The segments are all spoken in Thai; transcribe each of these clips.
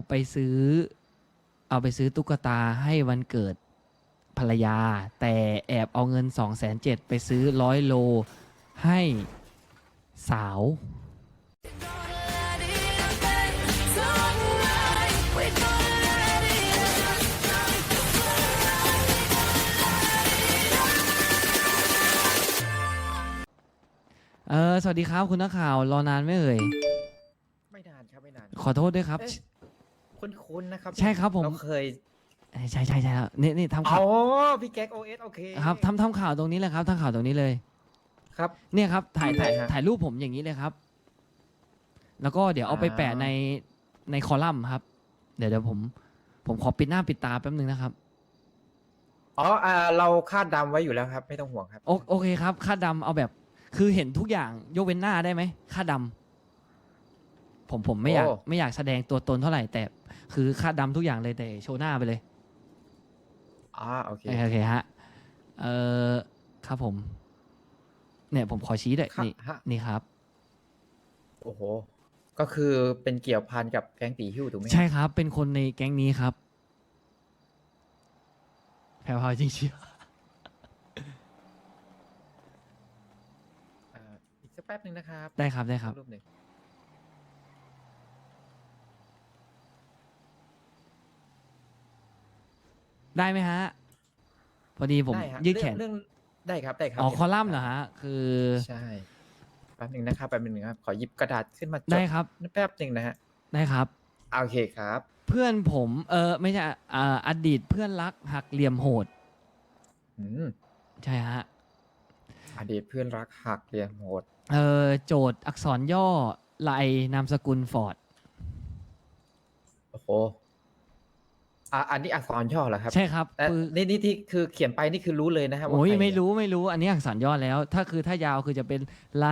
ไปซื้อ เอาไปซื้อตุ๊กตาให้วันเกิดภรรยา แต่แอบเอาเงิน270,000ไปซื้อ100 โลให้สาว สวัสดีครับคุณนักข่าวรอนานไหมเอ่ยไม่นานครับไม่นานขอโทษด้วยครับเอ๊ะคุ้นๆนะครับใช่ครับผมเราเคยใช่แล้วนี่ทำอ๋ข่าอวพี่แก๊กโอเอสโอเคครับทำข่าวตรงนี้เลยครับทำข่าวตรงนี้เลยครับเนี่ยครับถ่ายได้ฮะถ่ายรูปผมอย่างนี้เลยครับ แล้วก็เดี๋ยวเอาไปแปะในคอลัมน์ครับ เดี๋ยวผมขอปิดหน้าปิดตาแป๊บนึงนะครับอ๋อเราคาดดำไว้อยู่แล้วครับ ไม่ต้องห่วงครับโอเคครับค่าดำเอาแบบคือเห็นทุกอย่างยกเว้นหน้าได้ไหมค่าดำผมไม่อยากโอ้ไม่อยากแสดงตัวตนเท่าไหร่แต่คือค่าดำทุกอย่างเลยแต่โชว์หน้าไปเลยโอเคโอเคฮะครับผม เนี่ยผมขอชี้ด้วยครับนี่ฮะนี่ครับโอ้โห ก็คือเป็นเกี่ยวพันกับแก๊งตีหิ้วถูกไหมใช่ครับ เป็นคนในแก๊งนี้ครับ แพรวพราวจริงเชียวอีกสักแป๊บหนึ่งนะครับได้ครับได้ครับรูปหนึ่งได้ไหมฮะ พอดีผมได้ฮะยืดแขนเรื่องได้ครับได้ครับอ๋อคอลัมน์เหรอฮะ คือใช่แป๊บหนึ่งนะครับแป๊บหนึ่งครับขอหยิบกระดาษขึ้นมาจดได้ครับแป๊บหนึ่งนะฮะได้ครับโอเคครับเพื่อนผมไม่ใช่อดีตเพื่อนรักหักเหลี่ยมโหดอืมใช่ฮะอดีตเพื่อนรักหักเหลี่ยมโหดโจทย์อักษรย่อไลนามสกุลฟอร์ดโอ้โหอันนี้อักษรย่อเหรอครับใช่ครับแต่คือนี่ที่คือเขียนไปนี่คือรู้เลยนะครับว่าโอ้ยใครไม่เนี่ยรู้อันนี้อักษรย่อแล้ว ถ้ายาวคือจะเป็นไล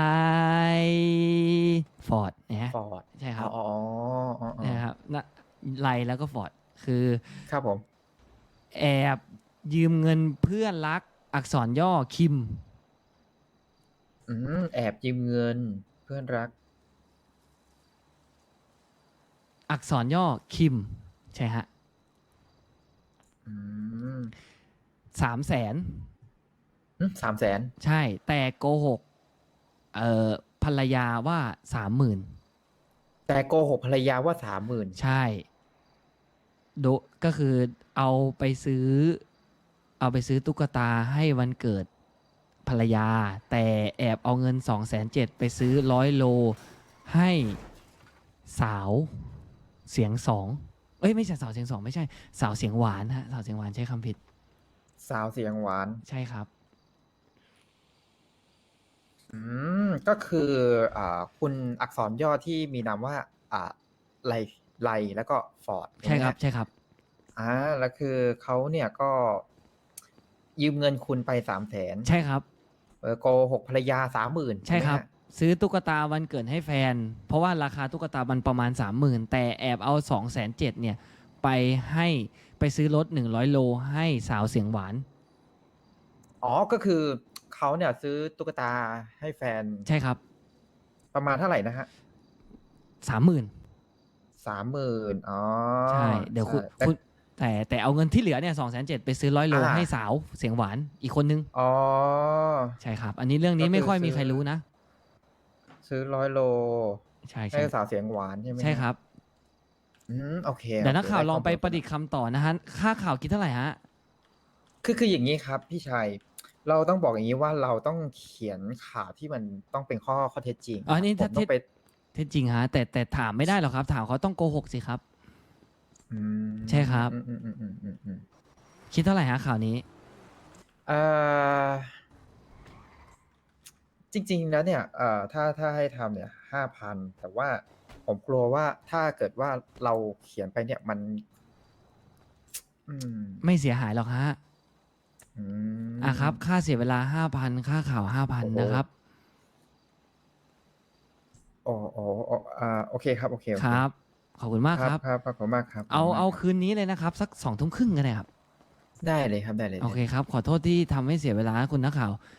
ฟอร์ดนะฮะฟอร์ดใช่ครับอ๋อนะครับนะไลแล้วก็ฟอร์ดคือครับผมแอบยืมเงินเพื่อนรักอักษรย่อคิมแอบยืมเงินเพื่อนรักอักษรย่อคิม ใช่ฮะอืม 300,000 300,000 ใช่ แต่โกหกภรรยาว่า 30,000 แต่โกหกภรรยาว่า30,000 ใช่ก็คือเอาไปซื้อตุ๊กตาให้วันเกิดภรรยา แต่แอบเอาเงิน270,000ไปซื้อ100 โลให้สาวเสียงสองเอ้ยไม่ใช่สาวเสียงสองไม่ใช่สาวเสียงหวานฮะสาวเสียงหวานใช้คำผิดสาวเสียงหวานใช่ครับก็คือคุณอักษรย่อที่มีนามว่าไลไลแล้วก็ฟอร์ดใช่ครับใช่ครับแล้วคือเขาเนี่ยก็ยืมเงินคุณไป300,000 ใช่ครับโกหกภรรยา30,000 ใช่ครับไหมฮะซื้อตุ๊กตาวันเกิดให้แฟน เพราะว่าราคาตุ๊กตามันประมาณ 30,000 แต่แอบเอา270,000เนี่ยไปซื้อรถ100 โลให้สาวเสียงหวานก็คือเขาเนี่ยซื้อตุ๊กตาให้แฟนใช่ครับประมาณเท่าไหร่นะฮะ 30,000 30,000 ใช่เดี๋ยวคุณแต่เอาเงินที่เหลือเนี่ย270,000ไปซื้อ100 โลให้สาวเสียงหวานอีกคนนึงอ๋อใช่ครับ อันนี้เรื่องนี้ก็คือไม่ค่อยมีซื้อใครรู้นะซื้อ100 โลใช่ให้สาวเสียงหวานใช่ไหมใช่ครับโอเคเดี๋ยวนักข่าวด้ลองไปข้มูประดิษฐ์คำต่อนะฮะค่าข่าวคิดเท่าไหร่ฮะคืออย่างนี้ครับพี่ชัยเราต้องบอกอย่างนี้ว่าเราต้องเขียนข่าวที่มันต้องเป็นข้อเท็จจริงอ๋อนี่ผมถ้าต้องไปเท็จจริงฮะแต่ถามไม่ได้หรอกครับ ถามเขาต้องโกหกสิครับอืมใช่ครับอืมคิดเท่าไหร่ฮะข่าวนี้จริง ๆ แล้วเนี่ยถ้าให้ทำเนี่ย5,000แต่ว่าผมกลัวว่าถ้าเกิดว่าเราเขียนไปเนี่ยมันไม่เสียหายหรอกฮะอืมครับ ค่าเสียเวลา 5,000 ค่าข่าว 5,000 นะครับโอเคครับโอเคครับ ขอบคุณมากครับครับขอบคุณมากครับเอาคืนนี้เลยนะครับ สัก 20:30 กันเลยครับได้เลยครับได้เลยโอเคครับ ขอโทษที่ทำให้เสียเวลาคุณนักข่าว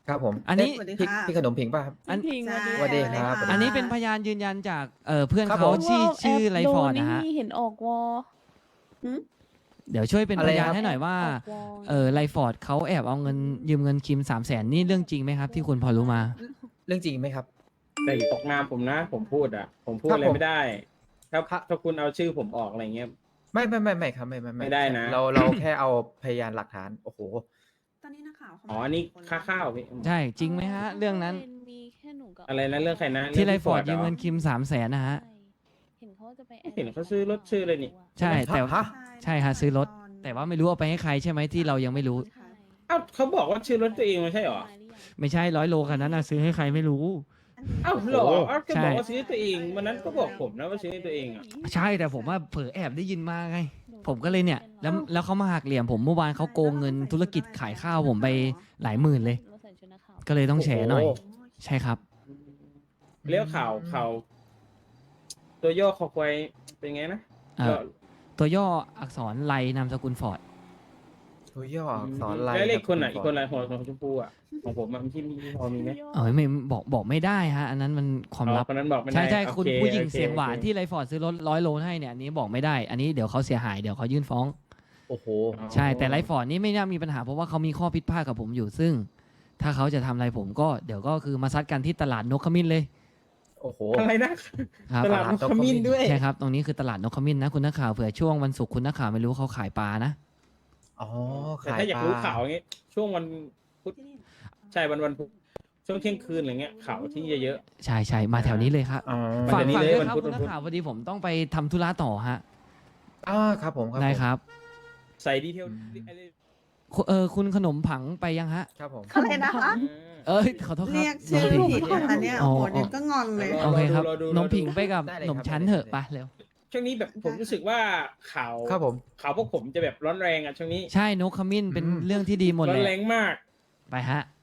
ครับผมอันนี้เพี่พี่ขนมผิงป่ะครับอันพิงใช่สวัสดีครับอันนี้เป็นพยานยืนยันจากเพื่อนครับเขาผมชื่อไรฟอร์ดนะฮะนี่เห็นออกวอเดี๋ยวช่วยเป็นอะพไรยานครับให้หน่อยว่าออกวอไรฟอร์ดเขาแอบเอาเงินยืมเงินคิม300,000นี่เรื่องจริงไหมครับ ที่คุณพอรู้มาเรื่องจริงไหมครับแต่ตกงานผมนะ ผมพูดอ่ะ ผมพูดครับอะไรผมไม่ได้ถ้าครับถ้าคุณเอาชื่อผมออกอะไรเงี้ยไม่ครับไม่ไม่ได้นะเราแค่เอาพยานหลักฐานโอ้โหตอนนี้นักข่าวเขาอ๋ออันนี้ค่าข้าวพี่ใช่จริงไหมฮะ เรื่องนั้นมีแค่หนูกับอะไรนะเรื่องใครนะที่ไรเงฟอร์ดพี่ยืมเงินหคิม300,000นะฮะเห็นเขาจะไปเห็นเขาซื้อรถซื้อเลยนี่ใช่แต่ฮะใช่ฮะซื้อรถ แต่ว่าไม่รู้เอาไปให้ใครใช่ไหมที่เรายังไม่รู้อ้าวเขาบอกว่าชื่อรถตัวเองไม่ใช่เหรอไม่ใช่100 โลคันนั้นนะซื้อให้ใครไม่รู้อ้าวเหรอโอ้โหอ้าวก็ใช่บอกว่าซื้อตัวเองวันนั้นก็บอกผมนะว่าซื้อตัวเองอ่ะใช่แต่ผมว่าเผลอแอบได้ยินมาไง ผมก็เลยเนี่ยแล้วเขามาหักเหลี่ยมผมเมื่อวานเขาโกงเงินธุรกิจขายข้าวผมไปหลายหมื่นเลย ก็เลยต้องแฉหน่อยโอ้ใช่ครับเรียกข่าวตัวย่อคอควายเป็นไงนะเอ่อ ตัวย่ออักษรไลนามสกุลฟอร์ดตัวย่ออักษรลายแล้วเลขรับคนไหนณอีกคนไหนของชมพูอ่ะของผมมันที่พอมีไหมไม่บอกไม่ได้ฮะ อันนั้นมันความลับคนนั้นบอกไม่ได้ใช่โอคุณเผู้หญิงโอคเสียงหวานโอเคที่ไรฟอร์ดซื้อรถ100 โลให้เนี่ยอันนี้บอกไม่ได้ อันนี้เดี๋ยวเขาเสียหายเดี๋ยวเขายื่นฟ้องโอ้โหใช่แต่ไรฟอร์ดนี่ไม่น่ามีปัญหาเพราะว่าเขามีข้อพิพาทกับผมอยู่ซึ่ง ถ้าเขาจะทำอะไรผมก็เดี๋ยวก็คือมาซัดกันที่ตลาดนกขมิ้นเลยโอ้โหอะไรนะครับตลาดนกขมิ้นด้วยใช่ครับตรงนี้คือตลาดนกขมิ้นนะคุณนักข่าวเผื่อช่วงวันศุกร์คุณนักข่าวไม่รู้เขาขายปลานะอ๋อแต่ขายถ้าอยากปลารู้ข่าวอย่างงี้ช่วงวันพุธใช่วันพุธช่วงเที่ยงคืนอะไรเงี้ยข่าวที่เยอะใช่มาแถวนี้เลยครับอ๋อมาฝากแถวนี้ฝากเลยด้วยวันครับพุธคุณนักข่าวพอดีผมต้องไปทำธุระต่อฮะครับผมได้ผมครับๆใส่ดีเทลคุณขนมผังไปยังฮะครับผมอะไรนะคะขอโทษครับเรียกชื่อน้งผิผิดงนะคะเนี่ยอ๋อโอ้โหเดี๋ยวก็งอนเลยโอเคครับรอดูน้องผิงไปกับได้เลยหนมครับชั้นได้เถอะเลยไปเร็วช่วงนี้แบบผมรู้สึกว่าข่าวครับผมข่าวพวกผมจะแบบร้อนแรงอ่ะช่วงนี้ใช่นกขมิ้นเป็นเรื่องที่ดีหมดร้อเลนยแรงมากไปฮะ